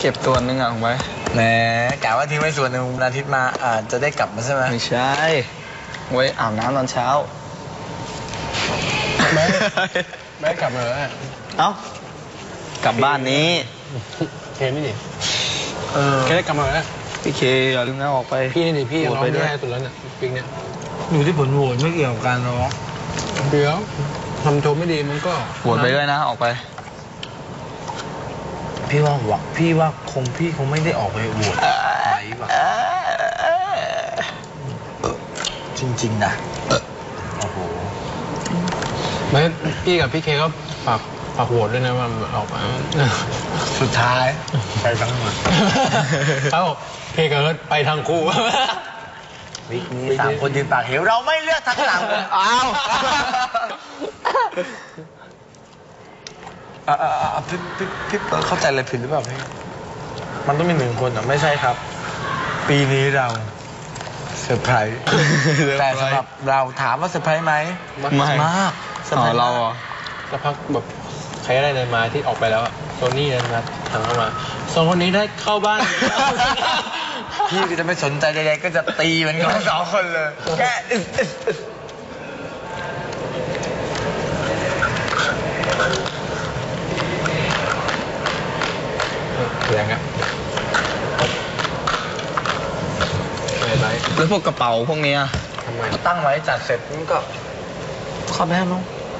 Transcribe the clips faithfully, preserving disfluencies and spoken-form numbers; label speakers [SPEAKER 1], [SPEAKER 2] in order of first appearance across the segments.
[SPEAKER 1] เก็บตัวนึงอ่ะของไว้
[SPEAKER 2] แหมกะว่าทิ้งไว้ส่วนหนึ่งวันอาทิตย์มาอ่าจะได้กลับมาใช่ไหม
[SPEAKER 1] ไม่ใช่ไว้อาบน้ำตอนเช้า
[SPEAKER 3] ไม่ไม่กลับเลย
[SPEAKER 1] เอ้ากลับบ้านนี้
[SPEAKER 3] เคนี่ดิเออเคได้กลับมาแล้ว
[SPEAKER 1] พี่เคอย่าลืมนะออกไป
[SPEAKER 3] พี่นี่พี่ร้องได้สุดแล้วเนี่ยปิงเนี่ย
[SPEAKER 2] อยู่ที่ผลโหวตไม่เกี่ยวกับการร้อง
[SPEAKER 3] เดี๋ยวทำโชว์ไม่ดีมันก็
[SPEAKER 1] โหวตไปด้วยนะออกไป
[SPEAKER 2] พี่ว่าหวังพี่ว่าคงพี่คงไม่ได้ออกไปโหวตไหนวะจริงๆนะโอ้โห
[SPEAKER 3] ไม่พี่กับพี่เคก็ฝากฝากโหวตด้วยนะว่าออกมา
[SPEAKER 2] สุดท้ายไปทั้งหมด
[SPEAKER 3] เขาบอกเคกับเอิร์ธไปทางคู่
[SPEAKER 2] วิกนี้สามคนยืนปากเหวเราไม่เลือกทั้งสามคนอ้าวอ่าอ่าพี่พี่พี่เข้าใจอะไรผิดหรือเปล่าพี่มันต้องมีหนึ่งคนอ่ะไม่ใช่ครับปีนี้เราเซอร์ไพรส์แต่สำหรับเราถามว่าเซอร์ไพรส์ไหม
[SPEAKER 1] ไม่
[SPEAKER 2] มาก
[SPEAKER 1] อ๋อเราอ่ะ
[SPEAKER 3] สักพักแบบใครได้เดินมาที่ออกไปแล้วโซนี่เดินมาทางเข้ามาสองคนนี้ได้เข้าบ้าน
[SPEAKER 2] พี่ก็จะไม่สนใจใดๆก็จะตีมันกันสองคนเลยแก
[SPEAKER 3] แรงอ่ะ
[SPEAKER 1] แล้วพวกกระเป๋าพวกนี้
[SPEAKER 2] ทำไมตั้งไว้จัดเสร็จมันก็เข้าไปให้น้อง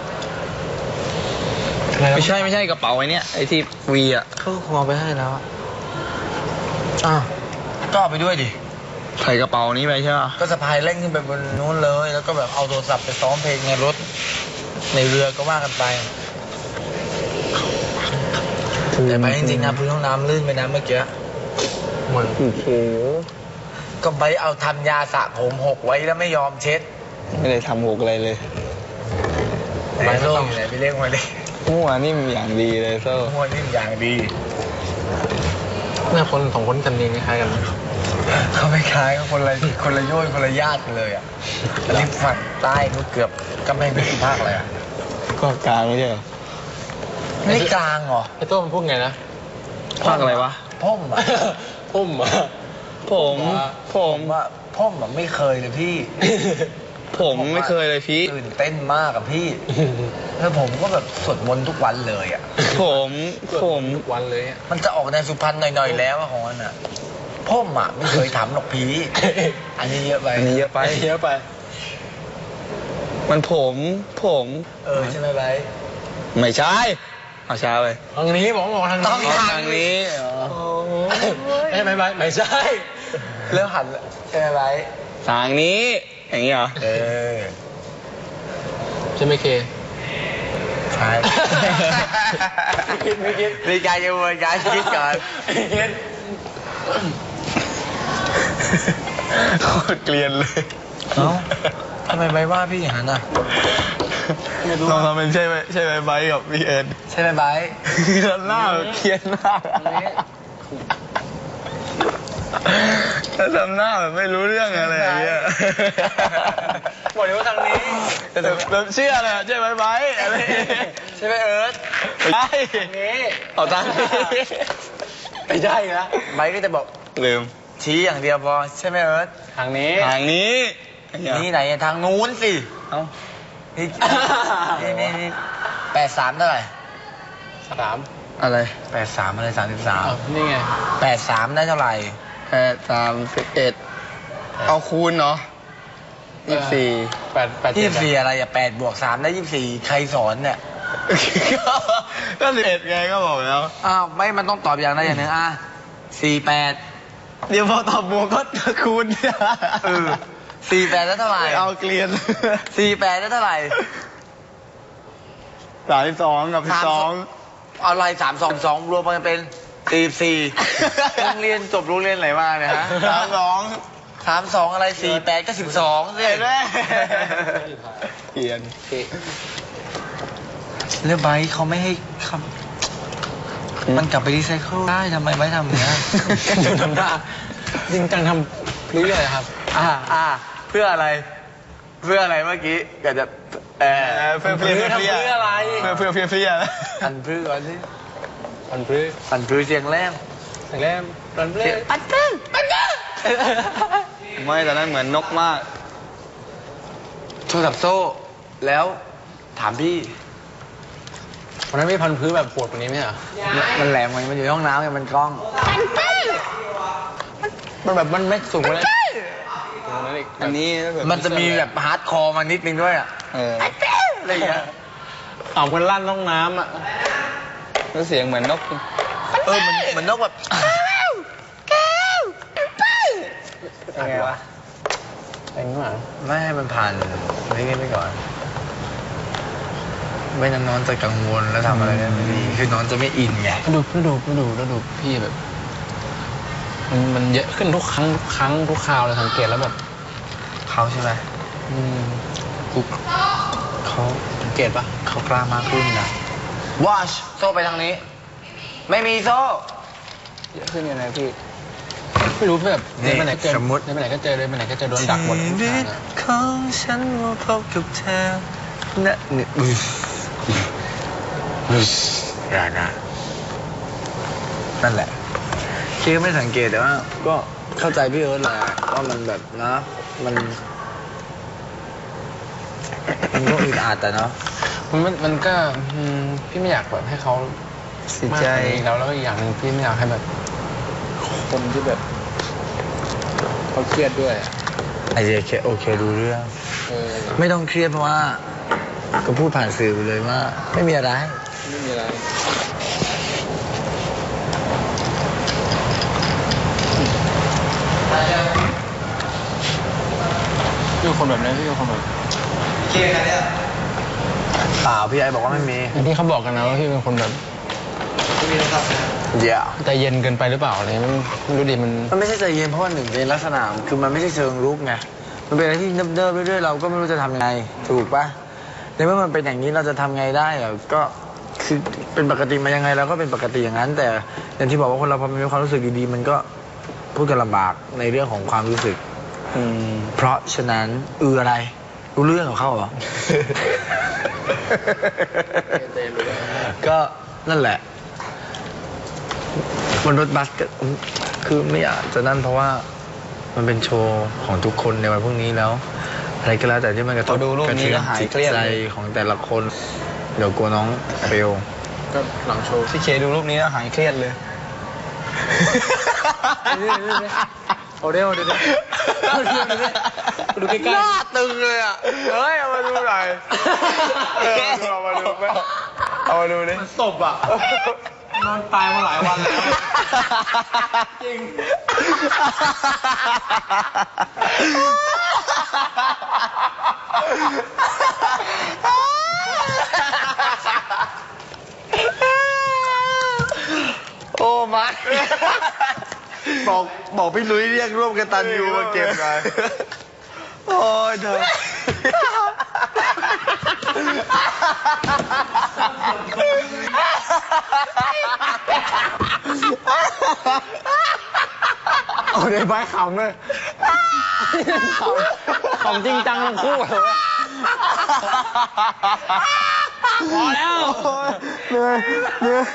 [SPEAKER 1] ไม่ใช่ไม่ใช่กระเป๋าไอ้นี่ไอ้ที่วีอ่ะ
[SPEAKER 2] เขาคงเอาไปให้แล้วอ้าวก็เอาไปด้วยดิ
[SPEAKER 1] ใส่กระเป๋านี้ไปใช่ไหม
[SPEAKER 2] ก็สะพายเร่งขึ้นไปบนนู้นเลยแล้วก็แบบเอาโทรศัพท์ไปซ้อมเพลงในรถในเรือก็ว่ากันไปแต่ไปจริงๆนะพื้นห้องน้ำลื่นไปนะเมื่อกี้
[SPEAKER 3] เหมือน
[SPEAKER 1] โอ้โห
[SPEAKER 2] ก็ไปเอาทำยาสระผมหกไว้แล้วไม่ยอมเช็ด
[SPEAKER 1] ไม่ได้ทำหกอะไรเลย
[SPEAKER 2] ไปโซ่อยู่ไหนไปเรียกมาเลย
[SPEAKER 1] มั่วนิ่มอย่างดีเลยโซ่
[SPEAKER 2] มั่วนิ่มอย่างดี
[SPEAKER 3] หน้าคนสองคนกันเองคล้ายกัน
[SPEAKER 2] เขาไม่คล้ายก็คนละคนละโย่คนละญาติกันเลยอ่ะอันนี้ฝั่งใต้ก็เกือบก็ไม่ไม่กี่ภาคเลยอ่ะ
[SPEAKER 1] ก็กลางไม่ใช่เหรอ
[SPEAKER 2] ไม่กลางเหรอ
[SPEAKER 3] ไอ้โต้มันพูดไงนะ
[SPEAKER 1] ภาคอะไรวะ
[SPEAKER 2] พ่มอ่ะ
[SPEAKER 3] พ่มอ่ะ
[SPEAKER 1] ผมผม
[SPEAKER 2] ว่าพ่มอ่ะไม่เคยเลยพี่
[SPEAKER 1] ผมไม่เคยเลยพี่
[SPEAKER 2] ตื่นเต้นมากกับพี่แล้วผมก็แบบสวดมนต์ทุกวันเลยอ่ะ
[SPEAKER 1] ผมผม
[SPEAKER 3] ทุกวันเลย
[SPEAKER 2] มันจะออกในสุพรรณหน่อยๆแล้วของมันอ่ะพ่มอ่ะไม่เคยทำหรอกพี่อันนี้เยอะไป
[SPEAKER 1] อันนี้เยอะไป
[SPEAKER 3] เยอะไป
[SPEAKER 1] มันผมผม
[SPEAKER 2] เออใช่ไหมไบ
[SPEAKER 1] ไม่ใช่เอาช้าไป
[SPEAKER 3] ทางนี้บอกบอกทางนี้
[SPEAKER 2] ต้องทางนี้
[SPEAKER 3] ไม่ใช่ไหมไบไม่ใช่
[SPEAKER 2] เริ่มหันใช่ไหมไบ
[SPEAKER 1] ทางนี้อย่างนี้เหรอ
[SPEAKER 2] เออ
[SPEAKER 3] ใช่ไหมเค
[SPEAKER 2] ใช่
[SPEAKER 3] คิดไม่คิด
[SPEAKER 2] มีการยังวนการคิดก่อน
[SPEAKER 1] โคตรเกลียนเลย
[SPEAKER 2] เอ้าทำไมใบว่าพี่อย่างนั้นอ่ะ
[SPEAKER 1] ลองทำเป็นใช่ไหมใช่ไหมใบกับพี่เอ็น
[SPEAKER 2] ใช่ไหมใบ
[SPEAKER 1] หน้าเกลียนมากถ้าทำหน้าแบบไม่รู้เรื่องอะไรอย่างเงี้ย
[SPEAKER 3] บอกเลยว่าทางนี้
[SPEAKER 1] แบบเชื่อเลยใช่ไหมไบอะไร
[SPEAKER 2] ใช่ไหมเอิร์ธ
[SPEAKER 1] ใช่
[SPEAKER 3] ทางนี้
[SPEAKER 1] เอาทางนี้
[SPEAKER 2] ไม่ใช่นะไบก็จะบอก
[SPEAKER 1] ลืม
[SPEAKER 2] ชี้อย่างเดียวพอใช่ไหมเอิร์ธ
[SPEAKER 3] ทางนี้
[SPEAKER 1] ทางนี้
[SPEAKER 2] นี่ไหนทางนู้นสิ
[SPEAKER 1] เอ้า
[SPEAKER 2] นี่นี่นี่แปดสามเท่าไหร่
[SPEAKER 3] สาม
[SPEAKER 1] อะไร
[SPEAKER 2] แปดสามอะไรสามสิบสาม
[SPEAKER 3] นี่ไง
[SPEAKER 2] แปดสามได้เท่าไหร่
[SPEAKER 1] แปดสามสิบเอ็ดเอาคูณเนาะยี่สิบสี่
[SPEAKER 3] แปดแปด
[SPEAKER 2] ยี่สิบสี่อะไรอ่ะแปดบวกสามได้ยี่สิบสี่ใครสอนเนี่ย
[SPEAKER 1] ก็สิบเอ็ดไงก็บอกแล้ว
[SPEAKER 2] อ้าวไม่มันต้องตอบอย่างใดอย่างหนึ่งอ่ะสี่แปด
[SPEAKER 1] เดี๋ยวพอตอบบวกก็คูณ
[SPEAKER 2] เออสี่แปดได้เท่าไหร่
[SPEAKER 1] เอาเกลียน
[SPEAKER 2] สี่แปดได้เท่าไหร่
[SPEAKER 1] สามสิบสองกับสิบสอง
[SPEAKER 2] อะไรสามสองสองรวมกันเป็นสี่สี่โรงเรียนจบโรงเรียนไหนมาเนี่ยฮะ
[SPEAKER 1] สามสอง
[SPEAKER 2] สามสองอะไรสี่แปดก็สิบสองสิ
[SPEAKER 1] แม่เปลี่ยน
[SPEAKER 2] เรื่องไบค์เขาไม่ให้คำมันกลับไปรีไซเคิลได้ทำไมไบค์ทำอย่างนี้
[SPEAKER 3] ทำได้จริงจังทำเรื่อยๆครับ
[SPEAKER 2] อ่าอ่าเพื่ออะไรเพื่ออะไรเมื่อกี้อยากจะเออ
[SPEAKER 1] เพื่อเพื่อ
[SPEAKER 3] ทำเพื่ออะไร
[SPEAKER 1] เพื่อเพื่อเพื่อเพื่อ
[SPEAKER 2] พันพื้นก่อนสิ
[SPEAKER 3] พันพื้น
[SPEAKER 2] พันพื้นเสียงแรง
[SPEAKER 3] เแต่แรกตอนแรก
[SPEAKER 1] ปัดเกิ้งปัดเกิ้งไม่ตอนนั้นเหมือนนกมาก
[SPEAKER 2] โทรศัพท์โซ่ แล้วถามพี่
[SPEAKER 3] วันนั้นไม่พันพื้นแบบปวดกว่านี้ไหมอ่ะ
[SPEAKER 2] มันแหลมไงมันอยู่ในห้องน้ำไงมันกล้อง
[SPEAKER 3] มันแบบมันไม่สูงเลย
[SPEAKER 1] อันนี้แบบ
[SPEAKER 2] มันจะมีแบบฮาร์ดคอร์มานิดนึงด้วยอ่ะ
[SPEAKER 1] เออ
[SPEAKER 2] อะไรอย่างเงี้ย
[SPEAKER 3] เอาคนลั่นห้องน้ำอ่ะ
[SPEAKER 1] แล้วเสียงเหมือนนก
[SPEAKER 2] เออมันมันนกแบบ
[SPEAKER 1] ยังไงวะ
[SPEAKER 3] เองหรอ
[SPEAKER 2] ไม่ให้มันผ่านนี่กันไปก่อน ไม่นั้นน้องจะกังวลแล้วทำอะไรได้ไม่ดีคือน้องจะไม่อินไง
[SPEAKER 3] ดูดูดูดูดูพี่แบบ มันมันเยอะขึ้นทุกครั้งทุกครั้งทุกคราวเลยสังเกตแล้วแบบ
[SPEAKER 2] เขาใช่ไหม
[SPEAKER 3] อืม
[SPEAKER 2] กูเขา
[SPEAKER 3] สังเกตปะ
[SPEAKER 2] เขากล้ามากขึ้นนะวอชโซ่ไปทางนี้ ไม่มีโซ่
[SPEAKER 3] เยอะขึ้นยังไงพี่ ไม่รู้แบบเดินไปไหนเจอ
[SPEAKER 2] สมมติ
[SPEAKER 3] เดินไปไหนก็เจอเดินไปไหนก็เจอโดนดักหมดทุกทางอะ
[SPEAKER 2] ของฉันมาพบกับเธอนะเนี่ยอุ้ยอุ้ยอย่านะนั่นแหละคิดก็ไม่สังเกตแต่ว่า ก็เข้าใจพี่เอิร์ธแหละว่ามันแบบนะ มัน มันก็อึดอัดแต่เนาะ
[SPEAKER 3] มันมันมันก็อืมพี่ไม่อยากแบบให้เขา
[SPEAKER 2] เสีย
[SPEAKER 3] มาก
[SPEAKER 2] ใจ
[SPEAKER 3] กว่านี้แล้วแล้วก็อีกอย่างหนึ่งพี่ไม่อยากให้แบบ คนที่แบบเขาเครียดด้วยอะ
[SPEAKER 2] ไอเดียแค่โอเคดูเรื่อง
[SPEAKER 3] เออ
[SPEAKER 2] ไม่ต้องเครียดเพราะว่า ก็พูดผ่านสื่อไปเลยว่า ไม่มีอะไร
[SPEAKER 3] ไม่มีอะไรพี่เป็นคนแบบนี้พี่เป็นคนแบบ
[SPEAKER 2] เปล่าพี่ไอบอกว่าไม่มี
[SPEAKER 3] อย่างที่เขาบอกกันนะว่าพี่เป็นคนแบบ
[SPEAKER 2] เดี๋ยว
[SPEAKER 3] ใจเย็นเกินไปหรือเปล่าอะไรไม่ไม่รู้ดิมัน
[SPEAKER 2] มันไม่ใช่ใจเย็นเพราะว่าหนึ่งเป็นลักษณะคือมันไม่ใช่เชิงลุกไงมันเป็นอะไรที่เนิบๆเรื่อยๆเราก็ไม่รู้จะทำยังไงถูกปะในเมื่อมันเป็นอย่างนี้เราจะทำไงได้อะก็คือเป็นปกติมายังไงเราก็เป็นปกติอย่างนั้น แต่อย่างที่บอกว่าคนเราพอมีความรู้สึกดีๆมันก็พูดกันลำบากในเรื่องของความรู้สึก
[SPEAKER 1] อืม
[SPEAKER 2] เพราะฉะนั้นอืออะไรรู้เรื่องของเขาเหรอ ก็นั่นแหละบนรถบัสก็คือไม่อยากจะนั่นเพราะว่ามันเป็นโชว์ของทุกคนในวันพรุ่งนี้แล้ว อะไรก็แล้วแต่ที่มันกระทบ
[SPEAKER 1] พอดูรูปนี้ก็หายเครียด
[SPEAKER 2] ใจ
[SPEAKER 1] เลย
[SPEAKER 2] ของแต่ละคน เดี๋ยวกลัวน้องเฟล
[SPEAKER 3] ก็หลังโชว์
[SPEAKER 1] พี่เคดูรูปนี้แล้วหายเครียดเลย
[SPEAKER 3] เอาเดี๋ยวเดี๋ยวเอาเดี๋ยวเดี๋ยวดูใกล้
[SPEAKER 2] หน้าตึงเลยอ่ะเฮ้ยเอามาดูหน่อยเอามาดูไปเอามาดูดิ
[SPEAKER 3] ๆศพอ่ะนอนตายมาหลายวันแล้วจริง
[SPEAKER 2] โอ้มาบอกบอกพี่ลุยเรียกร่วมกันตันยูมาเก็บหน่อยโอ้ยเธอ
[SPEAKER 3] เอาเดี๋ยวใบขำเลยขำขำจริงจังทั้งคู่เลยพอแล้ว
[SPEAKER 2] เหนื่อยเหนื่อย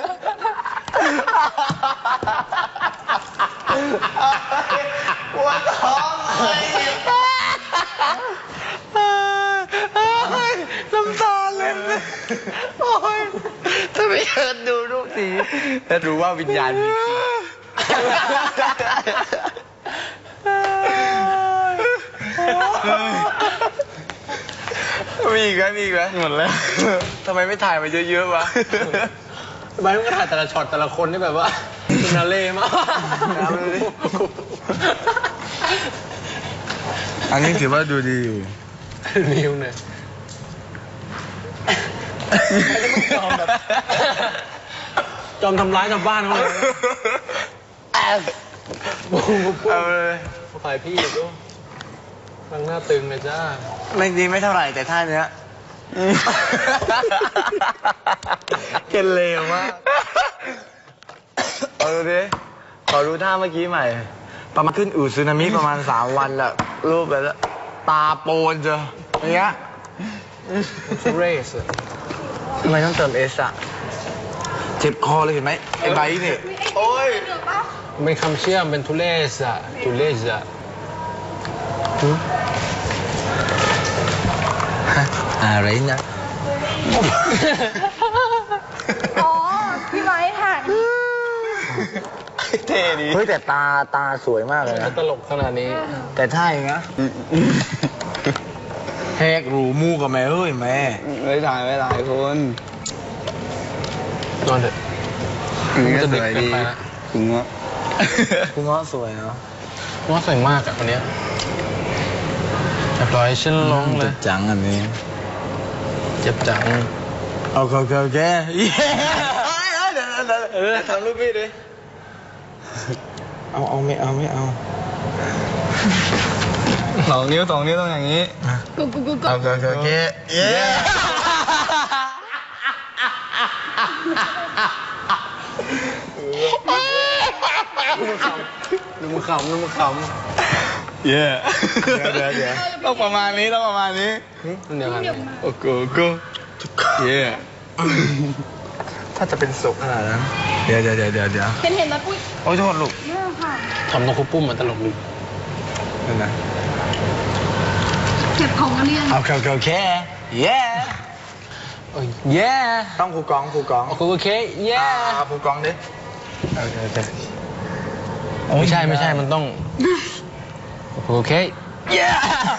[SPEAKER 2] ปวดท้องเลยน้ำตาเล็ดเลยโอ้ยถ้าไม่เชิญดูรูปนี้จะรู้ว่าวิญญาณมีจริงมีอีกไหมมีอีกไหมหมดแล้วทำไมไม่ถ่ายมาเยอะๆวะ
[SPEAKER 3] ใบมันก็ถ่ายแต่ละช็อตแต่ละคนนี่แบบว่าฟินาเล่มาก
[SPEAKER 2] เอาเลยดิ อันนี้ถือว่าดูดีอยู่
[SPEAKER 3] นิวเนี่ยจอมแบบจอมทำร้ายชาวบ้านเขาเลย
[SPEAKER 2] เอาเลย
[SPEAKER 3] ฝ่ายพี่ดูฟังหน้าตึงเลยจ้า
[SPEAKER 2] ไม่ดีไม่เท่าไหร่แต่ท่าเนี้ยเกลเลวมากเอาดูดิขอดูท่าเมื่อกี้ใหม่ ประมาณขึ้นอืดซึนามิประมาณสามวันแหละรูปแบบตาโปนเจออย่างเงี้ย
[SPEAKER 3] เรส
[SPEAKER 2] ทำไมต้องเติมเอสอะเจ็บคอเลยเห็นไหมไอ้ใบเนี่ย
[SPEAKER 1] โอ้ย
[SPEAKER 3] เป็นคำเชื่อมเป็นทุเลสอะทุเลสอะ
[SPEAKER 2] อะไรนะ
[SPEAKER 4] อ๋อ พี่ไม้ถ่าย
[SPEAKER 1] เท่ดี
[SPEAKER 2] เฮ้ยแต่ตาตาสวยมากเลยนะ
[SPEAKER 3] ตลกขนาดนี้
[SPEAKER 2] แต่ท่าอย่างนะแหกรูมูกับแม่เฮ้ยแม่
[SPEAKER 1] ไม่ถ่ายไม่ถ่ายคุณ
[SPEAKER 3] นอนเถอะ
[SPEAKER 1] นี่ก็
[SPEAKER 3] จะ
[SPEAKER 1] ส
[SPEAKER 3] เด็ก
[SPEAKER 1] วย
[SPEAKER 3] เกิน
[SPEAKER 1] ดี
[SPEAKER 3] ไปละ
[SPEAKER 1] คุณว่า
[SPEAKER 2] คุณง้อสวยเนาะ
[SPEAKER 3] ว่าสวยมากอะคนเนี้ยเรียบร้อยฉันลงเลย
[SPEAKER 2] จังอันนี้
[SPEAKER 3] เจ็บจัง
[SPEAKER 2] เอาเขาเขาแกเย้เออทำรูปพี่ดิเอาเอาไม่เอาไม่เอา
[SPEAKER 1] สองนิ้วสองนิ้วต้องอย่างนี้
[SPEAKER 4] กูกูกูกู
[SPEAKER 1] เอาเขาเขาแค่เย้
[SPEAKER 3] ดูมือขำดูมือขำ
[SPEAKER 1] เย้
[SPEAKER 2] เดี๋ยวเดี๋ยวเดี๋ยว
[SPEAKER 1] ต้องประมาณนี้ต้องประมาณนี้
[SPEAKER 3] มันเดียวกัน
[SPEAKER 1] โอ้โหกูเย้
[SPEAKER 2] ถ้าจะเป็นศพขนาดนั้นเดี๋ยวเดี๋ยวเดี๋ยวเดี๋ยวเดี๋ยว
[SPEAKER 4] เห็นเห็นไหมปุ้ย
[SPEAKER 2] โอ้ยโทษลูก
[SPEAKER 4] เนี่ยค่ะ
[SPEAKER 3] ทำตรงคุปปุ้มมันตลกดี
[SPEAKER 2] นั่นนะ
[SPEAKER 4] เก็บของกันเรียน
[SPEAKER 2] เอาเขาเขาแค่เย้
[SPEAKER 3] เอ้ยแย่
[SPEAKER 2] ต้องครูกองครูกอง
[SPEAKER 3] โอเคโอเคแย่
[SPEAKER 2] เอาครูกองดิโอเคโอเค
[SPEAKER 3] ไม่ใช่ไม่ใช่มันต้องโอเคแย่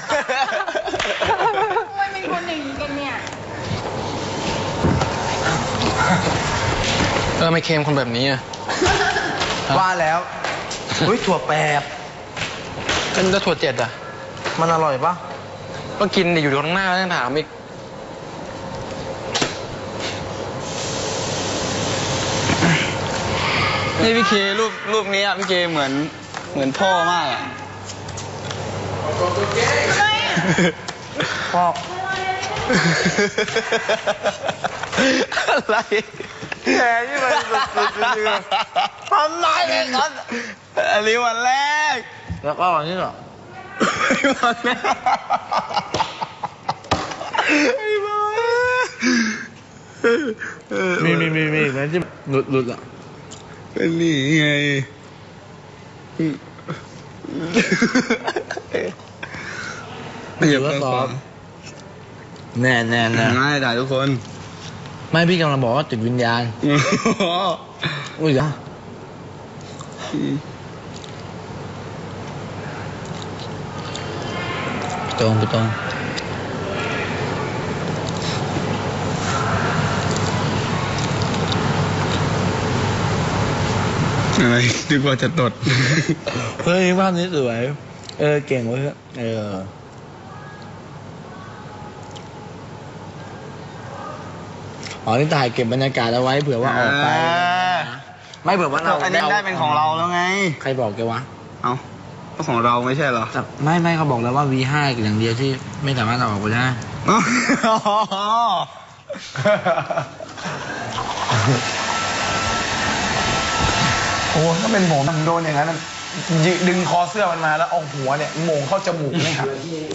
[SPEAKER 4] ทำไมเป็นคนอย่างนี้กันเนี่ย
[SPEAKER 3] เออไม่เค็มคนแบบนี้อะ
[SPEAKER 2] ว่าแล้วเฮ้ยถั่วแปบ
[SPEAKER 3] เป็นจะถั่วเจ็ดอะ
[SPEAKER 2] มันอร่อยปะ
[SPEAKER 3] ก็กินดิอยู่ตรงหน้าแล้วยังถามอีก
[SPEAKER 1] นี่พี่เครูปรูปนี้อ่ะพี่เคเหมือนเหมือนพ่อมากอ่ะ
[SPEAKER 2] พ่อ
[SPEAKER 1] อะไรแกนี่มันสุดๆจริงๆทำไมเนี่ยก่อนอันนี้วันแรก
[SPEAKER 2] แล้วก็อันนี้เหรอ
[SPEAKER 1] วันแรกไอ้บ้า
[SPEAKER 2] มีมีมีมีนั่นที่หลุดหลุดอ่ะ
[SPEAKER 1] ก็นี่ไงอย่าเพิ่งซ้อม
[SPEAKER 2] แน่แน่แน่
[SPEAKER 1] ง่ายได้ทุกคน
[SPEAKER 2] ไม่พี่กำลังบอกว่าติดวิญญาณอุ้ยอ่ะตรงไปตรง
[SPEAKER 1] อะไรดีกว่าจะตด
[SPEAKER 2] เฮ้ยภาพนี้สวยเออเก่งเว้ยเอออ๋อนี่ถ่ายเก็บบรรยากาศเอาไว้เผื่อว่าออกไป ไม่เผื่อว่าเรา
[SPEAKER 1] อันนี้ได้เป็นของเราแล้วไง
[SPEAKER 2] ใครบอกแกวะ
[SPEAKER 1] เอ้าก็ของเราไม่ใช่เหรอ
[SPEAKER 2] แต่ไม่ไม่เขาบอกแล้วว่า วี ห้า อย่างเดียวที่ไม่สามารถเอาออกไปได้ โอ้ถ้าเป็นผมโดนอย่างนั้นยึดึงคอเสื้อมันมาแล้วเอาหัวเนี่ยโมงเข้าจมูกเลยครับ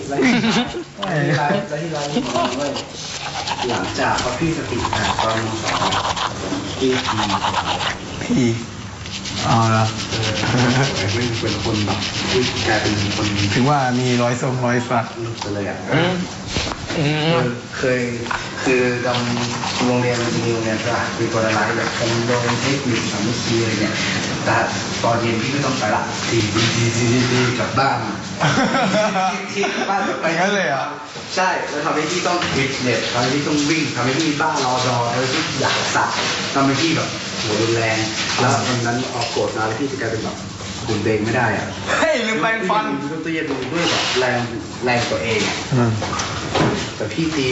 [SPEAKER 5] หลังจากเขาพี่สติแตกตอนมสองพี่ที
[SPEAKER 2] พี่อ๋อเหรอ
[SPEAKER 5] ไม่เป็นคนแบบที่กลายเป็นคน
[SPEAKER 2] ถึงว่ามีรอยทรงรอยสัก
[SPEAKER 5] ลุกไปเลยอ่ะ
[SPEAKER 3] อืมอืม
[SPEAKER 5] เคยคือตอนโรงเรียนมันจะมีโรงเรียนสระมีคนอะไรแบบคอมโดเทคนิคสามัคคีอะไรเนี่ยแต่ตอนเย็นพี่ไม่ต้องไปละทีดีดีดีดีกลับบ้านที่กลับบ้านไป
[SPEAKER 2] งั้นเลยเหรอ
[SPEAKER 5] ใช่แล้วทำให้พี่ต้องฟิตเนสทำให้พี่ต้องวิ่งทำให้พี่บ้ารอดอทำให้พี่อยากสักทำให้พี่แบบหัวรุนแรง แล้ววันนั้นออกโกรธมาแล้วพี่จะกลายเป็นแบบคุมตัวเองไม่ได้อะ
[SPEAKER 1] เฮ้ยลืมแปรงฟัน
[SPEAKER 5] พี่ต้องเรียนรู้ด้วยแบบแรงแรงตัวเองอะแต่พี่ตี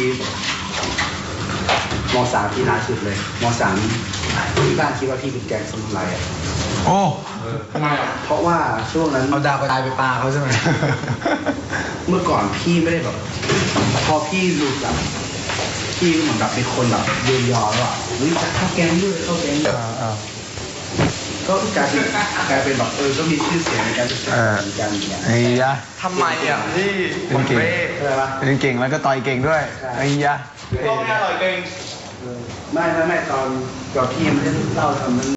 [SPEAKER 5] มสามที่นานสุดเลยมสามที่บ้านคิดว่าพี่เป็นแกงสมุนไพรอะ
[SPEAKER 2] โอ้
[SPEAKER 5] ทำไมอ่ะเพราะว่าช่วงนั้น
[SPEAKER 2] เอาดาวกระจายไปปลาเขาใช่ไหม
[SPEAKER 5] เมื่อก่อนพี่ไม่ได้แบบ พอพี่รู้แบบพี่เหมือนแบบเป็นคนแบบเยียวยอแล้วอ่ะเฮ้ยจะเข้าแกงด้วยเข้าแกงด้วยก็กลายเป็นกลายเป็นแบบเออก็มีชื่อเสียงในการศึกษาเหมือนกันอย่างเงี้ย
[SPEAKER 2] ไอ้ยะ
[SPEAKER 1] ทำไมอ่ะพี่
[SPEAKER 2] เป็นเก่ง
[SPEAKER 5] ใช่ปะ
[SPEAKER 2] เป็นเก่งแล้วก็ต่อยเก่งด้วย ไอ้ยะ
[SPEAKER 1] ก็ไม่อร่อยเก่ง
[SPEAKER 5] มไม่ไม่ไม่ตอนตอนพี่ไม่ได้เล่าทำนั้น